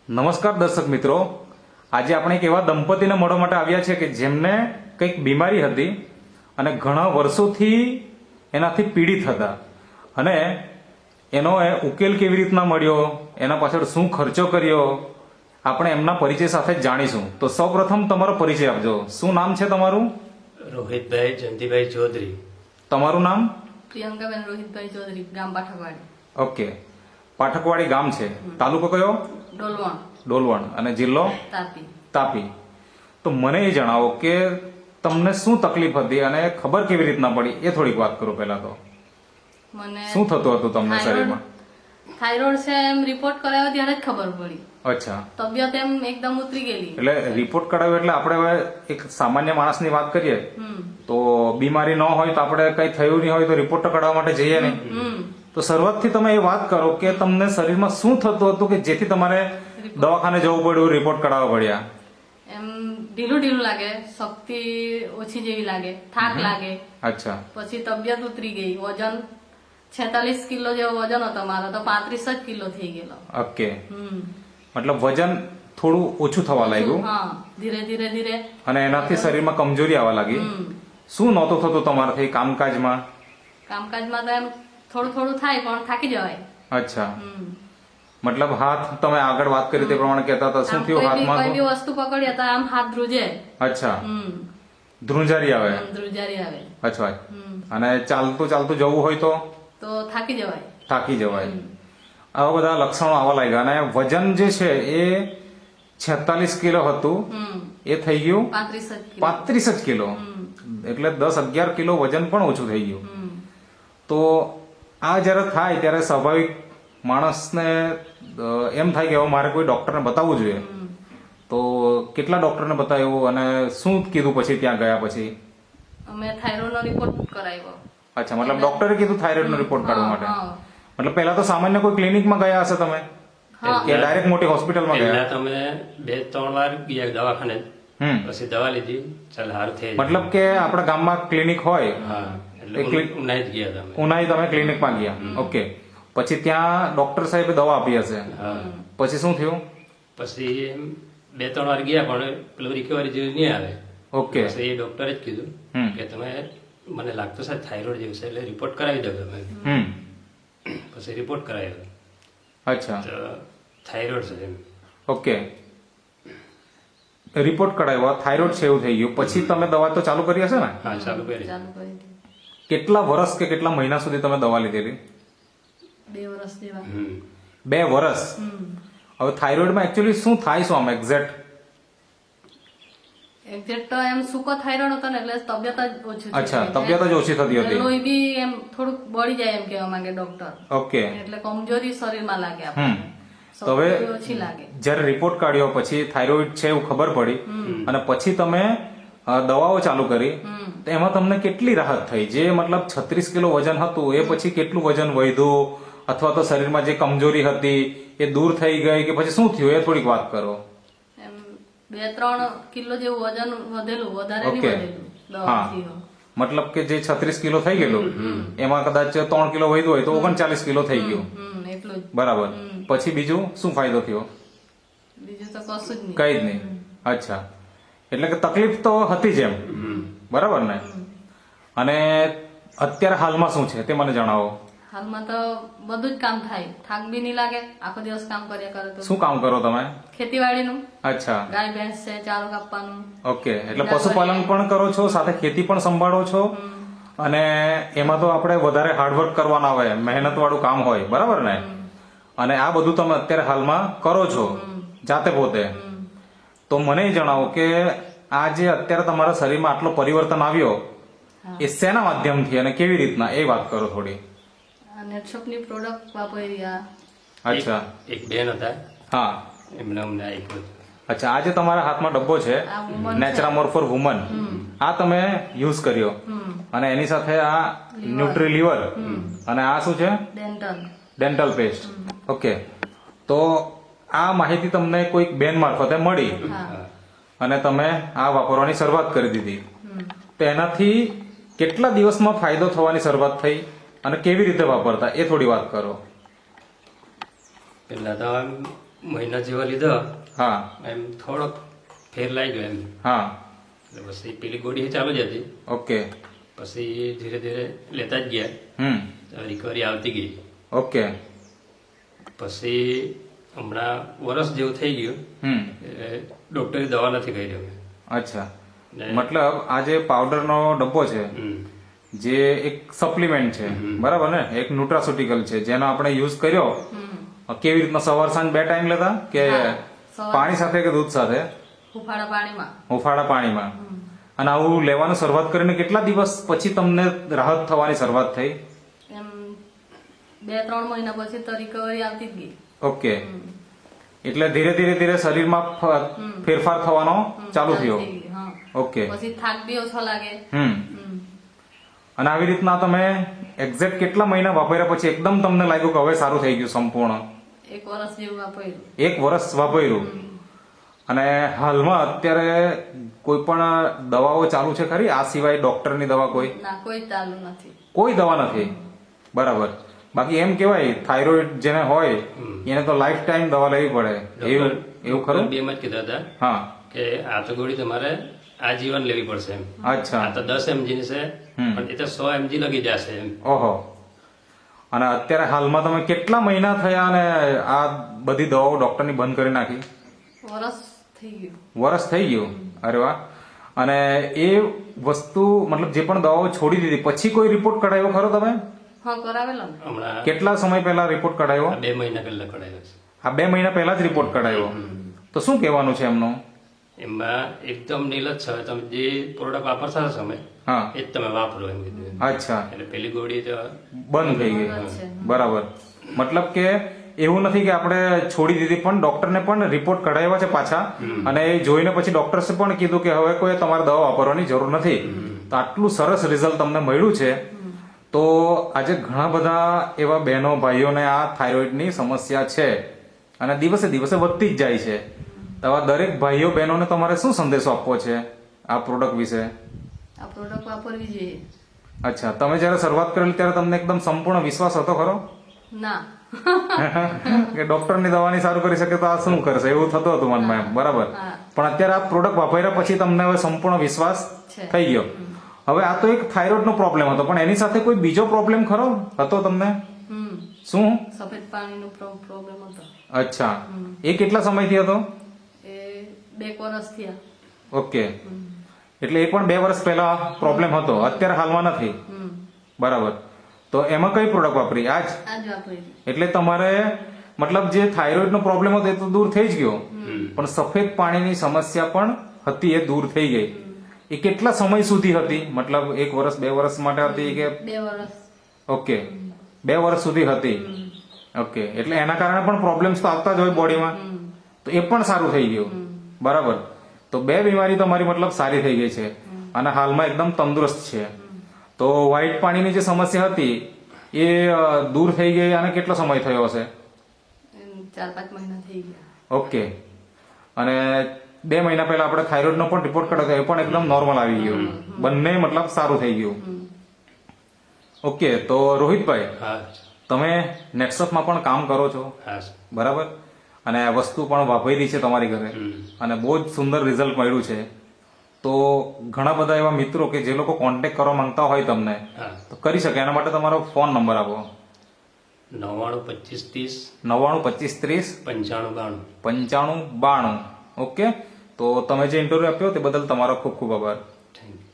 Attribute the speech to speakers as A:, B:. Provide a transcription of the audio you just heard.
A: નમસ્કાર દર્શક મિત્રો, આજે આપણે એક એવા દંપતીને મળવા માટે આવ્યા છે કે જેમને કંઈક બીમારી હતી અને ઘણા વર્ષોથી એનાથી પીડિત હતા અને એનો ઉકેલ કેવી રીતના મળ્યો, એના પાછળ શું ખર્ચો કર્યો, આપણે એમના પરિચય સાથે જ જાણીશું. તો સૌપ્રથમ તમારો પરિચય આપજો. શું નામ છે તમારું?
B: રોહિતભાઈ જયંતિભાઈ ચૌધરી.
A: તમારું નામ?
C: પ્રિયંકાબેન રોહિતભાઈ ચૌધરી, ગામ પાઠકવાડી.
A: ઓકે, પાઠકવાડી ગામ છે. તાલુકો કયો?
C: ડોલવણ.
A: ડોલવણ. અને જિલ્લો?
C: તાપી.
A: તાપી. તો મને એ જણાવો કે તમને શું તકલીફ હતી અને ખબર કેવી રીતના પડી, એ થોડીક વાત કરો. પહેલા તો
C: મને
A: શું થતું હતું તમને શરીરમાં?
C: થાઇરોઇડ છે એમ રિપોર્ટ કરાવ્યો ત્યારે જ ખબર પડી.
A: અચ્છા,
C: તબિયત એમ એકદમ ઉતરી ગયેલી.
A: એટલે રિપોર્ટ કરાવ્યો એટલે આપણે હવે એક સામાન્ય માણસની વાત કરીએ તો બીમારી ન હોય તો આપણે કઈ થયું નહીં હોય તો રિપોર્ટ કઢાવવા માટે જઈએ નહીં. તો શરૂઆતથી તમે એ વાત કરો કે તમને શરીરમાં શું થતું હતું કે જેથી તમારે દવાખાને જવું પડ્યું, રિપોર્ટ કઢાવવા પડ્યા?
C: એમ ઢીલું ઢીલું લાગે, શક્તિ ઓછી જેવી લાગે, થાક લાગે.
A: અચ્છા,
C: પછી તબિયત ઉતરી ગઈ. વજન 46 કિલો જેવો વજન હતો મારો, તો 35 જ કિલો થઈ ગયેલો.
A: ઓકે. મતલબ વજન થોડું ઓછું થવા લાગ્યું.
C: હા, ધીરે ધીરે ધીરે.
A: અને એનાથી શરીરમાં કમજોરી આવવા લાગી. શું નહોતું થતું તમારાથી કામકાજમાં?
C: કામકાજમાં તો એમ થોડું થોડું થાય પણ થાકી જવાય.
A: અચ્છા, મતલબ હાથ તમે આગળ વાત કરી તે પ્રમાણે કહેતા હતા, શું થયું હાથમાં?
C: કોઈ બી વસ્તુ પકડીએ તો આમ હાથ ધ્રુજે.
A: અચ્છા, ધ્રુંજારી આવે.
C: ધ્રુજારી આવે.
A: અચ્છા, અને ચાલતું ચાલતું જવું હોય તો
C: થાકી જવાય.
A: થાકી જવાય. આવા બધા લક્ષણો આવવા લાગ્યા. અને વજન જે છે એ 46 કિલો હતું, એ થઈ ગયું 35 જ કિલો. એટલે 10-11 કિલો વજન પણ ઓછું થઈ ગયું. તો આ જ્યારે થાય ત્યારે સ્વાભાવિક માણસને એમ થાય કે હવે મારે કોઈ ડોક્ટરને બતાવવું જોઈએ. તો કેટલા ડોક્ટરને બતાવ્યું અને શું કીધું પછી ત્યાં ગયા પછી?
C: અમે થાઇરોઇડનો રિપોર્ટ કરાવ્યો.
A: અચ્છા, મતલબ ડોક્ટરે કીધું થાઇરોઇડનો રિપોર્ટ કાઢવા માટે. મતલબ પહેલા તો સામાન્ય કોઈ ક્લિનિકમાં ગયા હશે તમે કે ડાયરેક્ટ મોટી હોસ્પિટલમાં ગયા?
B: પહેલા તમે 2-3 વાર ગયા દવાખાને, પછી દવા લીધી, ચાલ હારું થઈ.
A: મતલબ કે આપણા ગામમાં ક્લિનિક હોય,
B: હા, એટલે ઉનાઈ જ ગયા તમે.
A: ઉનાઈ તમે ક્લિનિકમાં ગયા. ઓકે, પછી ત્યાં ડોક્ટર સાહેબે દવા આપી હશે. પછી શું થયું?
B: પછી 2-3 વાર ગયા પણ પેલું રિકવરી જેવું નહીં આવે.
A: ઓકે,
B: પછી એ ડોક્ટરે જ કીધું કે તમે, મને લાગતું છે થાઇરોઇડ જેવું છે, એટલે રિપોર્ટ કરાવી દો તમે. પછી રિપોર્ટ કરાવ્યો.
A: અચ્છા,
B: તો થાઇરોઇડ છે એમ.
A: ઓકે, રિપોર્ટ કઢાવ્યો, થાઇરોઇડ છે એવું થઈ ગયું. પછી તમે દવા તો ચાલુ કરી હશે ને?
B: હા, ચાલુ કરી.
C: ચાલુ કરી દીધી.
A: કેટલા વર્ષ કે કેટલા મહિના સુધી તમે દવા લીધેલી?
C: 2 વર્ષ જેવા.
A: 2 વર્ષ. હવે થાઇરોઇડમાં એકચ્યુઅલી શું થાય, શું આમ એક્ઝેક્ટ?
C: એક્ઝેક્ટ તો એમ સૂકો થાઇરોઇડ હતો ને એટલે તબિયત જ ઓછી.
A: અચ્છા, તબિયત જ ઓછી થતી હતી.
C: લોહી બી એમ થોડુંક બળી જાય એમ કહેવા માંગે ડોક્ટર.
A: ઓકે,
C: એટલે કમજોરી શરીરમાં લાગે આપણને.
A: તો હવે
C: ઓછી લાગે.
A: જ્યારે રિપોર્ટ કાઢ્યો પછી થાઇરોઇડ છે એવું ખબર પડી અને પછી તમે દવાઓ ચાલુ કરી, તો એમાં તમને કેટલી રાહત થઈ? જે મતલબ 36 કિલો વજન હતું એ પછી કેટલું વજન વધ્યું, અથવા તો શરીરમાં જે કમજોરી હતી એ દૂર થઈ ગઈ કે પછી શું થયું, એ થોડીક વાત કરો.
C: એમ 2-3 કિલો જેવું વજન વધેલું, વધારે નહીં વધેલું દવાથી.
A: મતલબ કે જે 36 કિલો થઈ ગયેલું એમાં કદાચ 3 કિલો વધ્યું હોય તો 39 કિલો થઈ ગયું.
C: એટલું જ.
A: બરાબર. પછી બીજું શું ફાયદો થયો?
C: બીજું તો કશું જ નહીં.
A: કઈ જ નહીં. અચ્છા, એટલે કે તકલીફ તો હતી જ એમ, બરાબર ને? અને અત્યારે હાલમાં શું છે તે મને જણાવો.
C: હાલમાં તો બધું જ કામ થાય, થાક બી નહીં લાગે. આખો દિવસ કામ કર્યા કરે તો.
A: શું કામ કરો તમે?
C: ખેતીવાડીનું.
A: અચ્છા,
C: ગાય ભેંસ છે, ચારો કાપવાનું.
A: ઓકે, એટલે પશુપાલન પણ કરો છો, સાથે ખેતી પણ સંભાળો છો. અને એમાં તો આપણે વધારે હાર્ડવર્ક કરવાના હોય, મહેનત વાળું કામ હોય, બરાબર ને? અને આ બધું તમે અત્યારે હાલમાં કરો છો જાતે પોતે. તો મને જણાવો કે આ જે અત્યારે તમારા શરીરમાં આટલો પરિવર્તન આવ્યો એ શેના માધ્યમથી અને કેવી રીતના, એ વાત કરો થોડી.
C: નેટશોપની પ્રોડક્ટ વાપરી.
A: અચ્છા,
B: એક બેન હતા,
A: હા,
B: એમને અમને આપ્યું.
A: અચ્છા, આ જે તમારા હાથમાં ડબ્બો છે નેચરામોર ફોર વુમન, આ તમે યુઝ કર્યો અને એની સાથે આ ન્યુટ્રી લીવર અને આ શું છે? Dental paste. ઓકે, તો આ માહિતી તમને કોઈક બેન મારફતે મળી અને તમે આ વાપરવાની શરૂઆત કરી દીધી. તો એનાથી કેટલા દિવસમાં ફાયદો થવાની શરૂઆત થઈ અને કેવી રીતે વાપરતા, એ થોડી વાત કરો.
B: પેલા તો મહિના જેવા લીધો
A: હા
B: એમ થોડોક ફેર લાગી ગયો એમ
A: હા
B: એટલે પછી પેલી ગોળી ચાલુ જ હતી
A: ઓકે
B: પછી ધીરે ધીરે લેતા જ ગયા રિકવરી આવતી ગઈ
A: ઓકે
B: પછી હમણાં વરસ જેવું થઈ ગયું ડોક્ટરે દવા નથી કરી અમે
A: અચ્છા મતલબ આ જે પાવડરનો ડબ્બો છે જે એક સપ્લિમેન્ટ છે બરાબર ને એક ન્યુટ્રાસ્યુટિકલ છે જેનો આપણે યુઝ કર્યો કેવી રીતના સવાર સાંજ 2 ટાઈમ લેતા કે પાણી સાથે કે દૂધ સાથે હુંફાળા પાણીમાં અને આવું લેવાનું શરૂઆત કરીને કેટલા દિવસ પછી તમને રાહત થવાની શરૂઆત થઈ
C: એમ 2-3 મહિના પછી તો રિકવરી આવતી જ ગઈ.
A: ઓકે એટલે ધીરે ધીરે ધીરે શરીરમાં ફેરફાર થવાનો ચાલુ થયો
C: થઈ ગઈ, હા.
A: ઓકે
C: પછી થાક બી ઓછો લાગે.
A: અને આવી રીતના તમે એક્ઝેક્ટ કેટલા મહિના વાપર્યા પછી એકદમ તમને લાગ્યું કે હવે સારું થઈ ગયું સંપૂર્ણ
C: 1 વર્ષ જેવું વાપર્યું.
A: 1 વર્ષ વાપર્યું અને હાલમાં અત્યારે કોઈ પણ દવાઓ ચાલુ છે ખરી આ સિવાય ડોક્ટરની દવા કોઈ
C: ના કોઈ ચાલુ નથી.
A: કોઈ દવા નથી બરાબર બાકી એમ કેવાય થાઇરોઇડ જેને હોય એને તો લાઈફ ટાઈમ દવા લેવી પડે એવું ખરું
B: 2 માં જ કીધા હતા
A: હા
B: કે આ તો ગોળી તમારે આજીવન લેવી પડશે એમ
A: અચ્છા
B: આ તો 10 mg ની છે પણ એ તો 100 mg લગી જશે એમ
A: ઓહો અને અત્યારે હાલમાં તમે કેટલા મહિના થયા અને આ બધી દવાઓ ડોક્ટરની બંધ કરી નાખી
C: વરસ થઈ ગયું.
A: વરસ થઈ ગયું અરે વાહ અને એ વસ્તુ મતલબ જે પણ દવાઓ છોડી દીધી પછી કોઈ રિપોર્ટ કઢાયો ખરો તમે
C: હા કરાવેલો ને.
B: હમણાં
A: કેટલા સમય પહેલા રિપોર્ટ કઢાયો
B: 2 મહિના પહેલા કઢાયો છે
A: આ 2 મહિના પહેલા જ રિપોર્ટ કઢાયો તો શું કહેવાનું છે એમનું
B: એમાં એકદમ નીલજ છે તમે જે પ્રોડક્ટ વાપરતા હશો તમે
A: હા
B: એ જ તમે વાપરો એમ કીધું
A: અચ્છા
B: એટલે પેલી ગોળી તો
A: બંધ થઈ ગઈ બરાબર મતલબ કે એવું નથી કે આપણે છોડી દીધી પણ ડોક્ટરને પણ રિપોર્ટ કઢાવ્યા છે પાછા અને એ જોઈને પછી ડોક્ટર્સે પણ કીધું કે હવે કોઈ તમારે દવા વાપરવાની જરૂર નથી તો આટલું સરસ રિઝલ્ટ તમને મળ્યું છે તો આજે ઘણા બધા એવા બહેનો ભાઈઓને આ થાઇરોઇડની સમસ્યા છે અને દિવસે દિવસે વધતી જ જાય છે તો આવા દરેક ભાઈઓ બહેનોને તમારે શું સંદેશો આપવો છે આ પ્રોડક્ટ વિશે
C: આ પ્રોડક્ટ વાપરવી જોઈએ.
A: અચ્છા તમે જયારે શરૂઆત કરેલી ત્યારે તમને એકદમ સંપૂર્ણ વિશ્વાસ હતો ખરો
C: ના
A: કે ડોક્ટરની દવાની સારું કરી શકે તો આ શું કરશે એવું થતું હતું મનમાં એમ બરાબર પણ અત્યારે આ પ્રોડક્ટ વાપર્યા પછી તમને હવે સંપૂર્ણ વિશ્વાસ થઈ ગયો હવે આ તો એક થાઇરોઇડ નો પ્રોબ્લેમ હતો પણ એની સાથે કોઈ બીજો પ્રોબ્લેમ ખરો હતો તમને શું
C: સફેદ પાણીનો પ્રોબ્લેમ હતો.
A: અચ્છા એ કેટલા સમયથી હતો
C: એ 2 વર્ષ થયા.
A: ઓકે એટલે એ પણ 2 વર્ષ પહેલા પ્રોબ્લેમ હતો અત્યારે હાલમાં નથી બરાબર તો એમાં કઈ પ્રોડક્ટ વાપરી આજ
C: આજ વાપરી.
A: એટલે તમારે મતલબ જે થાઇરોઇડ નો પ્રોબ્લેમ હતો એ તો દૂર થઈ જ ગયો પણ સફેદ પાણીની સમસ્યા પણ હતી એ દૂર થઈ ગઈ એ કેટલા સમય સુધી હતી મતલબ 1 વર્ષ 2 વર્ષ માટે હતી કે
C: 2 વર્ષ.
A: ઓકે 2 વર્ષ સુધી હતી ઓકે એટલે એના કારણે પણ પ્રોબ્લેમ્સ તો આવતા જ હોય બોડીમાં તો એ પણ સારું થઈ ગયું બરાબર તો 2 બીમારી તમારી મતલબ સારી થઈ ગઈ છે અને હાલમાં એકદમ તંદુરસ્ત છે તો વ્હાઈટ પાણીની જે સમસ્યા હતી એ દૂર થઈ ગઈ અને કેટલો સમય થયો હશે
C: 4-5 મહિના થઈ ગયા.
A: ઓકે અને 2 મહિના પહેલા આપણે થાઇરોઇડ નો પણ રિપોર્ટ કર્યો એ પણ એકદમ નોર્મલ આવી ગયો બંને મતલબ સારું થઈ ગયું ઓકે તો રોહિતભાઈ
B: હા
A: તમે નેક્સસમાં પણ કામ કરો છો
B: હા
A: બરાબર અને આ વસ્તુ પણ વાપરી છે તમારી ઘરે અને બહુ જ સુંદર રિઝલ્ટ મળ્યું છે તો ઘણા બધા એવા મિત્રો કે જે લોકો કોન્ટેક્ટ કરવા માંગતા હોય તમને
B: હા
A: તો કરી શકે એના માટે તમારો ફોન નંબર આપો
B: 99 25 30
A: 99 25 30
B: 95 92
A: 95 92 ઓકે તો તમે જે ઇન્ટરવ્યુ આપ્યો તે બદલ તમારો ખૂબ ખૂબ આભાર
B: થેન્ક યુ